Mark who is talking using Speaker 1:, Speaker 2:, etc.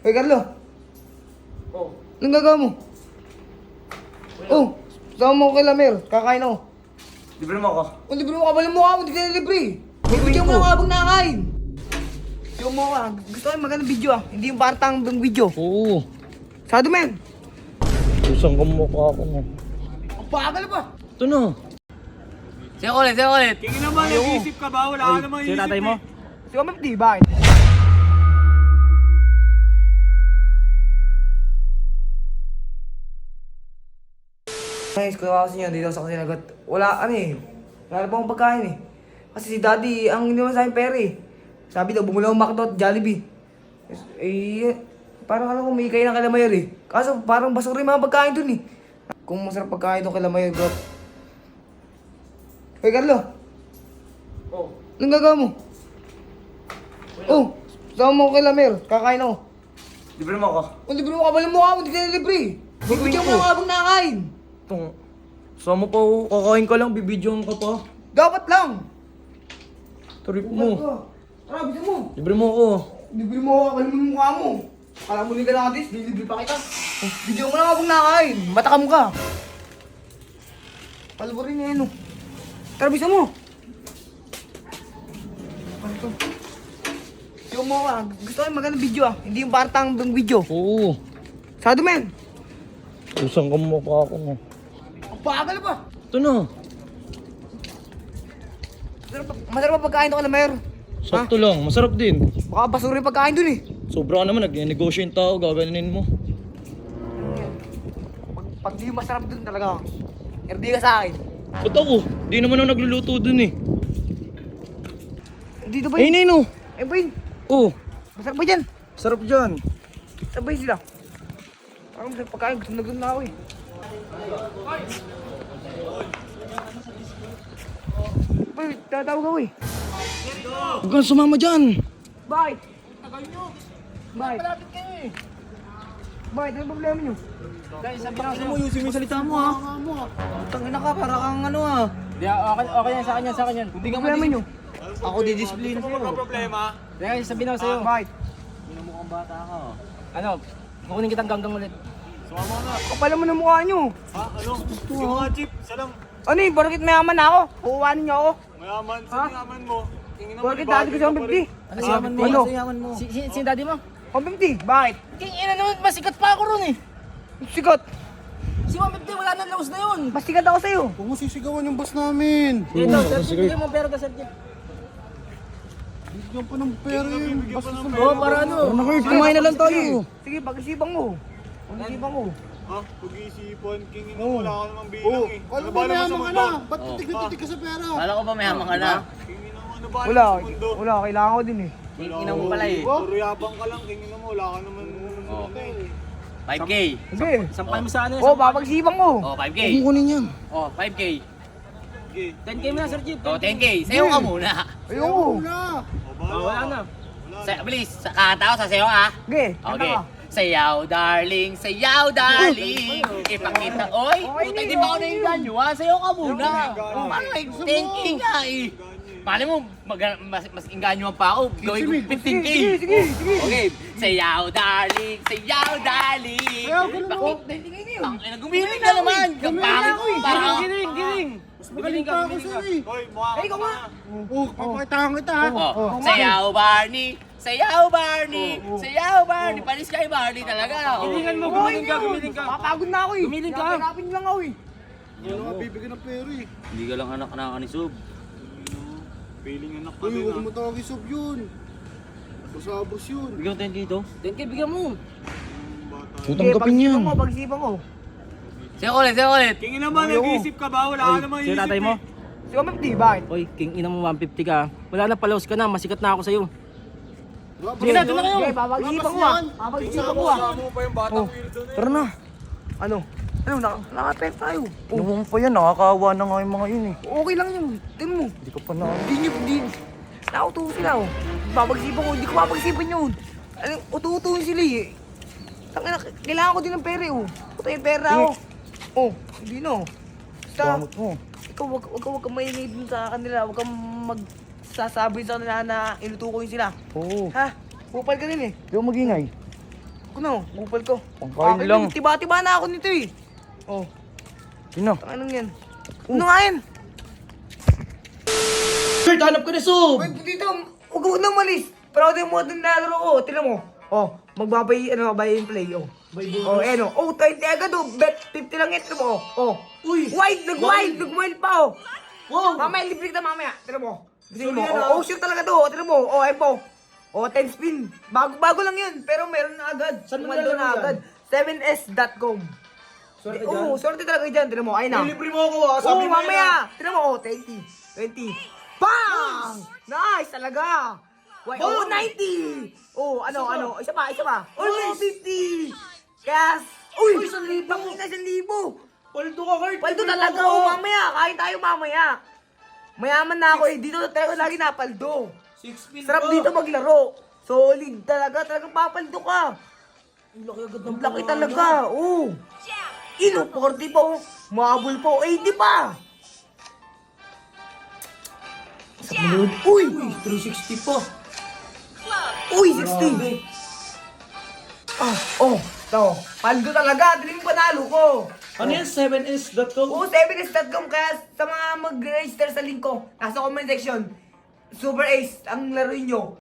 Speaker 1: Hoy, Carlo.
Speaker 2: Oh.
Speaker 1: Anong gagawa mo? Oh, sama mo ko kay Lamer. Kakain ako.
Speaker 2: Libre mo ako.
Speaker 1: Kung libre mo, kabalin mo ako. Hindi ka na libre. Bibigyan mo lang ako habang nakakain. Yung mo ka. Gusto ko yung magandang video ah. Hindi yung partang video.
Speaker 3: Oo.
Speaker 1: Sado men.
Speaker 3: Isang kamukha ako mo.
Speaker 1: Ang bagal pa.
Speaker 3: Ito na.
Speaker 2: Sa'yo ulit.
Speaker 4: Tingin naman, nag-iisip ka ba? Wala ka namang iisip
Speaker 3: tatay mo?
Speaker 1: Si Omep di, bakit? Guys, kung ako sa inyo, dito sa kasinagot. Wala, ano eh. Wala pa akong pagkain eh. Kasi si Daddy, ang hindi naman sa akin pera eh. Sabi daw, bumula akong McDo at Jollibee. Eh, parang alam ko, may kain ng Kalamayor eh. Kaso parang basura yung mga pagkain dun eh. Kung masarap pagkain doon Kalamayor, bro. Hoy, Carlo.
Speaker 2: Oh.
Speaker 1: Anong gagawa mo? Oh, sama mo ko kay Lamer. Kakain ako.
Speaker 2: Libre mo ako.
Speaker 1: Kung libre mo, kabalin mo ako. Hindi ka na libre. Bibigyan mo lang ako habang nakakain.
Speaker 3: Itong... Sama pa ako. Kakain ka lang. Bibidyoan ka pa.
Speaker 1: Dapat lang.
Speaker 3: Trip mo.
Speaker 1: Tara, bisa mo.
Speaker 3: Libre mo ako.
Speaker 1: Libre mo ako, kabalin mo yung mukha mo. Kala mo ka na katis, libre pa kita. Bigyan mo lang habang nakakain. Matakam ka. Palborin niya yun. Tara, bisa mo. Ano to? Yung mo ka. Gusto ko yung magandang video ah. Hindi yung partang video.
Speaker 3: Oo.
Speaker 1: Sado men.
Speaker 3: Isang kamukha ako mo.
Speaker 1: Ang bagal pa.
Speaker 3: Ito na.
Speaker 1: Masarap pa pagkain to ka na mayor.
Speaker 3: Sakto lang. Masarap din.
Speaker 1: Baka basura yung pagkain dun eh.
Speaker 3: Sobra ka naman. Nag-negosyo yung tao. Gaganin mo.
Speaker 1: Pag di masarap dun talaga, erdi ka sa akin.
Speaker 3: Ba't ako? Di naman ako nagluluto dun eh.
Speaker 1: Dito ba
Speaker 3: Ayun
Speaker 1: yun?
Speaker 3: na yun oh.
Speaker 1: Ayun ba yun?
Speaker 3: Oh.
Speaker 1: Masarap ba dyan?
Speaker 3: Sarap dyan.
Speaker 1: Saan ba yun sila? Parang masarap pagkain, gusto na ako eh. Boy, tatawag ako eh.
Speaker 3: Huwag kang sumama dyan.
Speaker 1: Bakit? Tagal nyo. Bakit? Malapit kayo eh. Bakit? Ano problema nyo?
Speaker 2: Guys, sabi na mo, yusin mo yung salita mo ha.
Speaker 3: Tangina ka. Para kang ano ah.
Speaker 2: Di, okay yan, sa kanya.
Speaker 1: Hindi ka problema nyo.
Speaker 3: Ako didisplay na
Speaker 4: Ano ba problema?
Speaker 2: Guys, sabi na sa'yo.
Speaker 1: Bakit?
Speaker 2: Mukhang bata ka. Ano, kukunin kitang ganggang ulit.
Speaker 4: Sumama ka na.
Speaker 1: Kapala mo ng mukha nyo.
Speaker 4: Ha? Ano? Sige nga, Chip. Isa lang.
Speaker 1: Ano eh, bakit mayaman ako? Kukuhanin niyo ako.
Speaker 4: Mayaman.
Speaker 1: Ha?
Speaker 4: Saan yaman mo? Tingin naman,
Speaker 1: Bakit dati ko sa 150?
Speaker 2: Ano si yaman mo?
Speaker 1: Ano?
Speaker 2: Ano si yaman mo? Si daddy mo?
Speaker 1: 150? Bakit?
Speaker 2: King ina naman, masikat pa ako ron eh.
Speaker 1: Sikat.
Speaker 2: Si 150, wala na laos na yun.
Speaker 1: Mas sikat ako sa'yo.
Speaker 5: Huwag mo sisigawan yung boss namin.
Speaker 2: Ito, sir, bigyan mo pera ka, sir.
Speaker 5: Bigyan pa ng pera yun. Basta sa
Speaker 2: Oo, para ano?
Speaker 3: Kumain na lang tayo.
Speaker 1: Sige, pag-isipan mo. Pag-isipan mo.
Speaker 4: Ha? Pag-iisipan. King ina, wala ka namang bilang eh.
Speaker 5: Alam mo,
Speaker 4: ba naman sa
Speaker 5: mayaman ka
Speaker 4: mundo?
Speaker 5: na. Ba't titig ka sa pera?
Speaker 6: Kala ko ba mayaman ka na?
Speaker 4: King ina mo, ano ba
Speaker 1: Wala,
Speaker 4: naman sa mundo?
Speaker 1: wala, kailangan ko din eh.
Speaker 6: Ina mo pala eh.
Speaker 4: Puro yabang ka lang. King ina mo, wala ka naman.
Speaker 6: 5K.
Speaker 1: Sige.
Speaker 2: Sampal mo sa ano?
Speaker 1: Oo, papag-isipan ko.
Speaker 6: Oh, 5K.
Speaker 3: Huwag mo kunin yan.
Speaker 6: Oh, 5K.
Speaker 2: 10K mo na, Sir Jeep.
Speaker 6: Oh, 10K. Sayo ka muna.
Speaker 1: Ayoko.
Speaker 5: Wala.
Speaker 2: Wala na.
Speaker 6: Bilis, sa kanta ko, sasayaw ka.
Speaker 1: Sige, kanta
Speaker 6: Okay.
Speaker 1: ka.
Speaker 6: Sayaw, darling. Sayaw, darling. Ipakita. Oy, puta, di ba ako nainganyo ha? Sayaw ka muna. Parang like 10K nga eh. Paano mo, mas inganyo pa ako. Gawin ko 15K.
Speaker 1: Sige.
Speaker 6: Okay. Sayaw, darling. Sayaw, darling. Ang ina, gumiling ka naman. Kapangit ko. Parang,
Speaker 2: Giling.
Speaker 5: Mas magaling pa ako sa'yo eh.
Speaker 4: Hoy, mukha ka
Speaker 1: Ikaw
Speaker 4: pa.
Speaker 1: nga.
Speaker 5: Oh, papakitaan kita ha.
Speaker 6: oh, sayaw, Barney. Sayaw, Barney. Sayaw, Barney. Panis kay Barney talaga. Oh.
Speaker 2: Gilingan mo, gumiling ka.
Speaker 1: Papagod na ako eh.
Speaker 2: Gumiling ka.
Speaker 1: Hanapin lang ako eh.
Speaker 5: Wala nga bibigyan ng pera eh.
Speaker 6: Hindi ka lang anak na ni Sub.
Speaker 4: Feeling anak ka
Speaker 5: Uy,
Speaker 4: din
Speaker 5: huwag
Speaker 4: ah.
Speaker 5: mo tawag isog yun. Basabos yun.
Speaker 6: Bigyan mo 10K ito.
Speaker 2: 10K, bigyan mo.
Speaker 3: Putang kapin yan.
Speaker 1: Pag-isipan ko, pag-isipan ko.
Speaker 6: Sayaw ulit.
Speaker 4: King ina mo, nag-iisip ka ba? Wala ka namang
Speaker 2: Si
Speaker 4: iisip
Speaker 2: tatay mo?
Speaker 4: eh.
Speaker 1: Si Omep bakit?
Speaker 2: Oy, King ina mo 150 ka. Wala na, palaos ka na. Masikat na ako sa'yo.
Speaker 5: Wala
Speaker 2: Sige na, doon na kayo.
Speaker 1: Sige, papag-isipan ko ah. Papag-isipan ko ah.
Speaker 4: Kasama mo pa yung batang weirdo na
Speaker 3: Tara na.
Speaker 1: Ano? Ano, nakapek tayo.
Speaker 3: Ano pa yan? Nakakaawa na nga yung mga yun eh.
Speaker 1: Okay lang yun. Tingnan mo.
Speaker 3: Hindi ka pa na.
Speaker 1: Hindi. Nauto sila oh. Papag-isipan ko, hindi ko papag-isipan yun. Ano, ututuin sila eh. Tangina, kailangan ko din ng pera oh. Puta yung pera oh. Oh, hindi no. Basta,
Speaker 3: Gamot mo.
Speaker 1: ikaw wag kang maingay dun sa kanila. Wag kang magsasabi sa kanila na inutukoy sila.
Speaker 3: Oo.
Speaker 1: Ha? Pupal ka din eh.
Speaker 3: Di ako magingay.
Speaker 1: Kuno, bupal ko.
Speaker 3: Pangkain
Speaker 1: Akin
Speaker 3: lang.
Speaker 1: yun, tiba-tiba na ako nito eh. Oh,
Speaker 3: Sino?
Speaker 1: anong yan? Ano nga yan?
Speaker 3: Kurt, hanap ka na, Sob!
Speaker 1: Wait, dito, huwag na malis. Pero ito mo itong nalaro ko, tinan mo. Oh, magbabay, buy and play, oh. Oh, ayan, oh. Oh, 20 agad, oh. Bet 50 lang ito mo, oh.
Speaker 3: Uy!
Speaker 1: Nag-wild pa, oh.
Speaker 3: Wow!
Speaker 1: Mamaya, libre kita mamaya. Tinan mo. Tingin mo.
Speaker 3: Sorry, ano?
Speaker 1: Oh, sure talaga to. Oh. Tinan mo. Oh, ayun po. Oh, 10 spin. Bago lang yun. Pero meron na agad.
Speaker 3: Saan mo
Speaker 1: Kumando
Speaker 3: nilalaro
Speaker 1: na agad. 7s.com.
Speaker 3: Swerte
Speaker 1: Oo, swerte talaga dyan. Tinan mo. Ayun na.
Speaker 3: Libre mo ako, ha?
Speaker 1: Oo,
Speaker 3: Sabi mo
Speaker 1: mamaya. Tinan mo. Oh, 20. Bang! Nice talaga. Wait, oh, 90. Oh, ano. Isa pa. Oh, 50. Yes. Uy, 1,000. Pangina, 1,000.
Speaker 3: Paldo ka, Kurt!
Speaker 1: Paldo
Speaker 3: Libre mo
Speaker 1: talaga,
Speaker 3: ako.
Speaker 1: oh, mamaya. Kain tayo mamaya. Mayaman na ako eh. Dito talaga lagi napaldo.
Speaker 3: 6 pin
Speaker 1: Sarap
Speaker 3: pa.
Speaker 1: dito maglaro. Solid talaga. Talagang papaldo ka.
Speaker 3: Ang laki agad ng
Speaker 1: Ang laki talaga. Oh. Ino, 40 pa oh. Mahabol pa oh. 80 pa. Sa mulod. Uy.
Speaker 3: 360 pa.
Speaker 1: Uy, 60. Oh. Ito. Paldo talaga. Dali yung panalo ko.
Speaker 3: Ano yan? 7s.com?
Speaker 1: Oo, 7s.com. Kaya sa mga mag-register sa link ko, nasa comment section, Super Ace ang laro nyo.